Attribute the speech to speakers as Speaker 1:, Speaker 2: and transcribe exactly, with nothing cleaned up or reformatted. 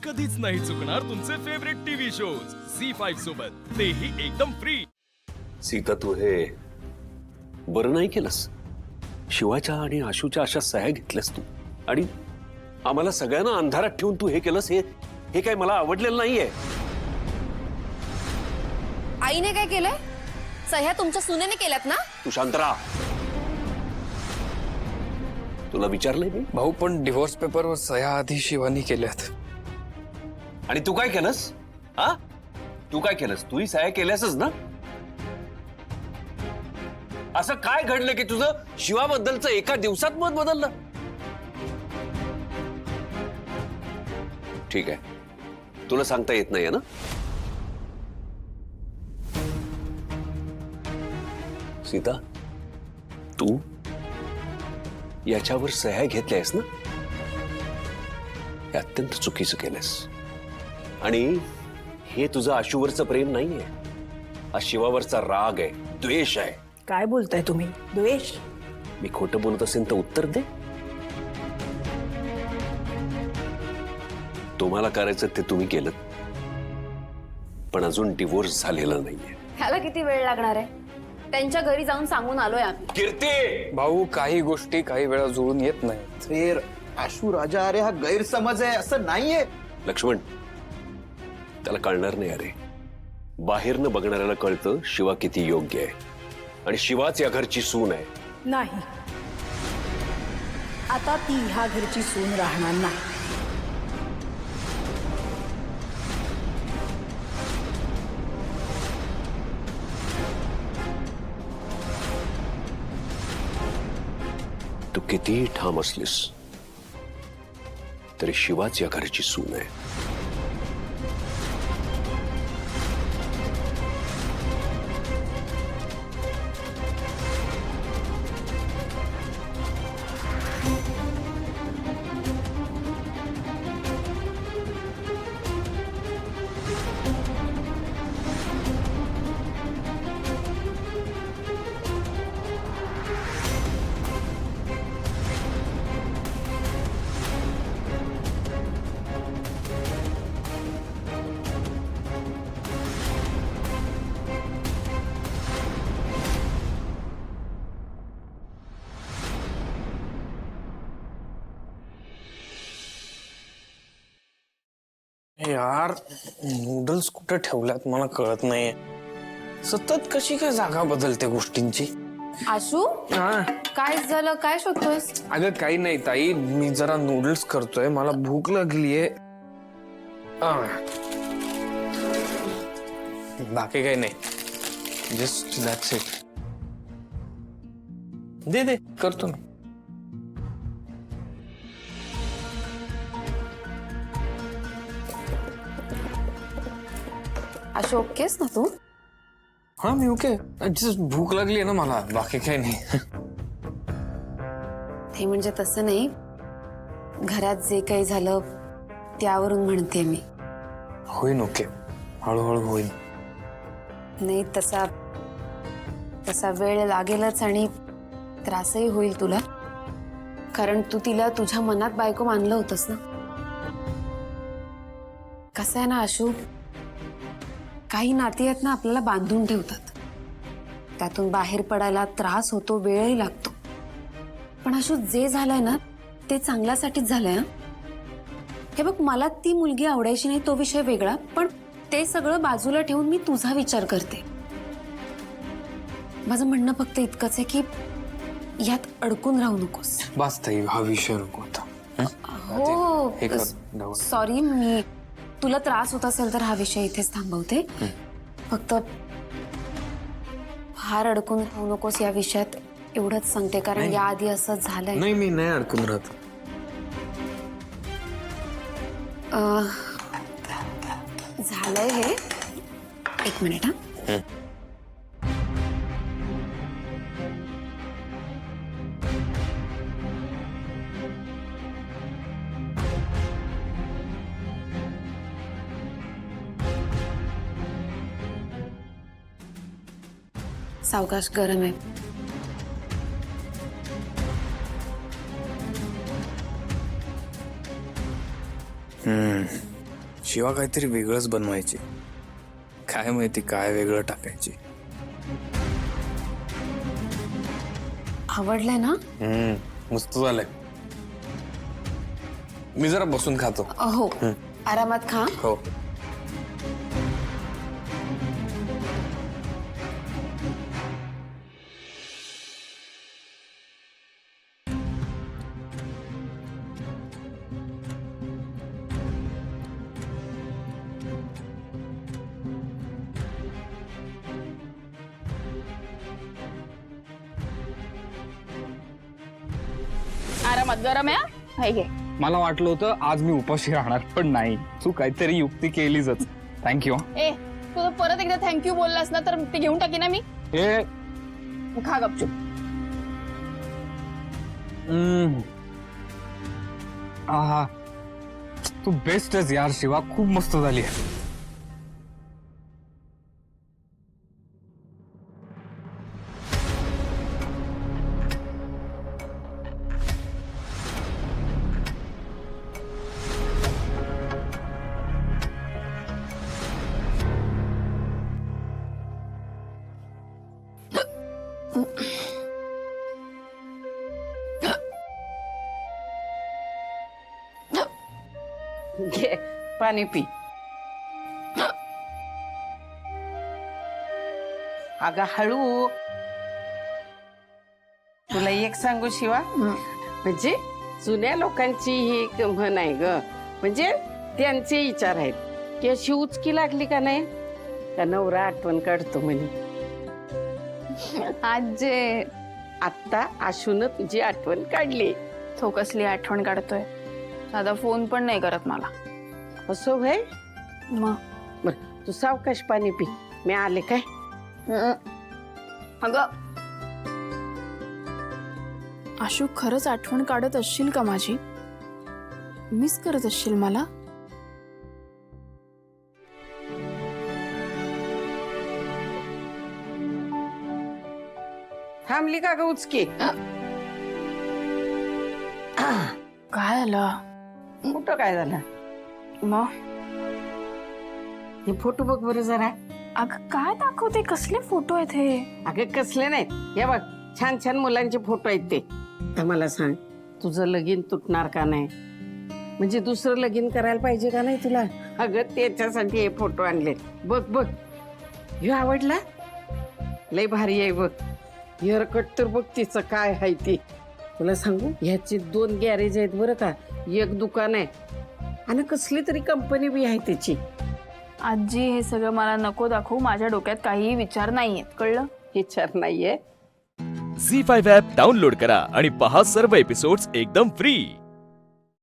Speaker 1: कधीच नाही चुकणार तुमचे favourite TV shows C five सोबत, तेही एकदम फ्री।
Speaker 2: सीता, तू हे बरं नाही केलंस। शिवाच्या आणि आशूच्या अशा सह्या घेतल्यास तू आणि आम्हाला सगळ्यांना अंधारात ठेवून तू हे केलंस, हे हे काय मला आवडलेलं नाहीये।
Speaker 3: आईने काय केलंय? सह्या तुमच्या सुनेने केल्यात ना?
Speaker 2: तू शांत राहा। तुला विचारलंय मी?
Speaker 4: भाऊ, पण डिवोर्स पेपरवर सह्या आधी शिवानी केल्यात।
Speaker 2: आणि तू काय केलंस? हा, तू काय केलंस? तूही सह्या केल्यासच ना? असं काय घडलं की तुझं शिवाबद्दलचं एका दिवसात मत बदललं? ठीक आहे, तुला सांगता येत नाहीये ना? सीता, तू याच्यावर सह्या घेतल्यास ना, हे अत्यंत चुकीचं केलंस। आणि हे तुझं आशूवरचं प्रेम नाहीये, हा शिवावरचा राग आहे, द्वेष आहे।
Speaker 5: काय बोलताय तुम्ही? द्वेष?
Speaker 2: मी खोटं बोलत असेल तर उत्तर दे। तुम्हाला करायचं ते तुम्ही केलं, पण अजून डिवोर्स झालेला नाहीये।
Speaker 3: ह्याला किती वेळ लागणार आहे? त्यांच्या घरी जाऊन सांगून आलोय आम्ही।
Speaker 2: कीर्ती,
Speaker 4: भाऊ, काही गोष्टी काही वेळा जुळून येत नाही।
Speaker 6: फिर आशू राजा, अरे हा गैरसमज आहे, असं नाहीये।
Speaker 2: लक्ष्मण, त्याला कळणार नाही। अरे, बाहेरनं बघणाऱ्याला कळतं शिवा किती योग्य आहे आणि शिवाच या घरची सून आहे।
Speaker 5: नाही, आता ती ह्या घरची सून राहणार नाही।
Speaker 2: तू कितीही ठाम असलीस तरी शिवाच या घरची सून आहे।
Speaker 4: यार, नूडल्स कुठे ठेवल्यात मला कळत नाहीये। सतत कशी काय जागा बदलते गोष्टींची।
Speaker 3: आशू,
Speaker 4: हा,
Speaker 3: काय झालं? काय शोधतोयस?
Speaker 4: अगं काही नाही ताई, मी जरा नूडल्स करतोय, मला भूक लागलीये। आ. बाकी काही नाही, जस्ट दॅट्स इट। दे दे, करतो ना।
Speaker 3: आशू, ओकेस ना तू?
Speaker 4: हाँ, मी ओके, जस्ट भूक लागली आहे ना मला, बाकी काही नाही।
Speaker 3: ते म्हणजे तसं नाही, घरात जे काही झालं त्यावरून म्हणते मी।
Speaker 4: होईन ओके, हळूहळू होईन।
Speaker 3: नाही, तसा तसा वेळ लागेलच आणि त्रासही होईल तुला, कारण तू तिला तुझ्या मनात बायको मानलं होतंस ना। कसं आहे ना आशू, काही नाती आहेत ना, आपल्याला बांधून ठेवतात, त्यातून बाहेर पडायला त्रास होतो, वेळही लागतो। पण आशू, जे झालंय ना ते चांगल्यासाठीच झालंय। हे बघ, मला ती मुलगी आवडायची नाही तो विषय वेगळा, पण ते सगळं बाजूला ठेवून मी तुझा विचार करते। माझं म्हणणं फक्त इतकंच आहे की यात अडकून राहू नकोस।
Speaker 4: बस ताई, हा विषय नको होता। हे कर,
Speaker 3: हो,
Speaker 4: डावं.
Speaker 3: सॉरी, मी तुला त्रास होत असेल तर हा विषय इथेच थांबवते। फक्त फार अडकून राहू नकोस या विषयात, एवढंच सांगते, कारण याआधी असं झालंय।
Speaker 4: नाही, मी नाही अडकून राहत।
Speaker 3: अं, झालंय हे, एक मिनिट हा। सावकाश, गरम आहे।
Speaker 4: हम्म, शिवा काहीतरी वेगळंच बनवायची. काय माहिती काय वेगळं टाकायची.
Speaker 3: आवडलंय ना?
Speaker 4: हम्म मस्त झालंय. मी जरा बसून खातो.
Speaker 3: हो आरामात खा.
Speaker 4: हो.
Speaker 7: आरामात गरम आहे हा? हे घे.
Speaker 8: मला वाटलं होतं आज मी उपाशी राहणार पण नाही. तू काहीतरी युक्ती केलीच. थँक्यू.
Speaker 7: ए तुझं परत एकदा थँक्यू बोललास ना तर ते घेऊन टाकी ना मी.
Speaker 8: हे
Speaker 7: खा गपचूप.
Speaker 8: हम्म. आहा तू बेस्टच यार शिवा. खूप मस्त झाली आहे.
Speaker 9: घे पाणी पी. अगं हळू. तुला एक सांगू शिवा, म्हणजे जुन्या लोकांची ही एक म्हण आहे ग. म्हणजे त्यांचे विचार आहेत की अशी उचकी लागली का नाही का नवरा आठवण काढतो म्हणे.
Speaker 7: आजे
Speaker 9: आत्ता आशून तुझी आठवण काढली.
Speaker 7: तो कसली आठवण काढतोय. साधा फोन पण नाही करत मला.
Speaker 9: असं व्हय.
Speaker 7: मग
Speaker 9: बर तू सावकाश पाणी पी. मी आले काय.
Speaker 7: अगं आशू खरंच आठवण काढत असशील का माझी? मिस करत असशील मला?
Speaker 9: थांबली का ग उचकी.
Speaker 7: काय आलं
Speaker 9: कुठं काय झालं.
Speaker 7: मग?
Speaker 9: हे फोटो बघ बरं जरा.
Speaker 7: अगं काय दाखवते. कसले फोटो आहेत हे?
Speaker 9: अगं कसले नाहीत. हे बघ छान छान मुलांचे फोटो आहेत ते. तर मला सांग तुझं लगीन तुटणार का नाही. म्हणजे दुसरं लगीन करायला पाहिजे का नाही तुला. अगं त्याच्यासाठी हे फोटो आणले. बघ बघ ह्यो आवडला. लय भारी आहे बघ. हेअर कट तर बघ तिचं काय आहे ती. तुला सांगू ह्याचे दोन गॅरेज आहेत बरं का. एक दुकान आहे आणि कसली तरी कंपनी बी आहे त्याची.
Speaker 7: आजी हे सगळं मला नको दाखवू. माझ्या डोक्यात काहीही विचार नाहीयेत. कळलं?
Speaker 9: विचार नाहीये.
Speaker 1: झी फाईव्ह ॲप डाउनलोड करा आणि पहा सर्व एपिसोड्स एकदम फ्री.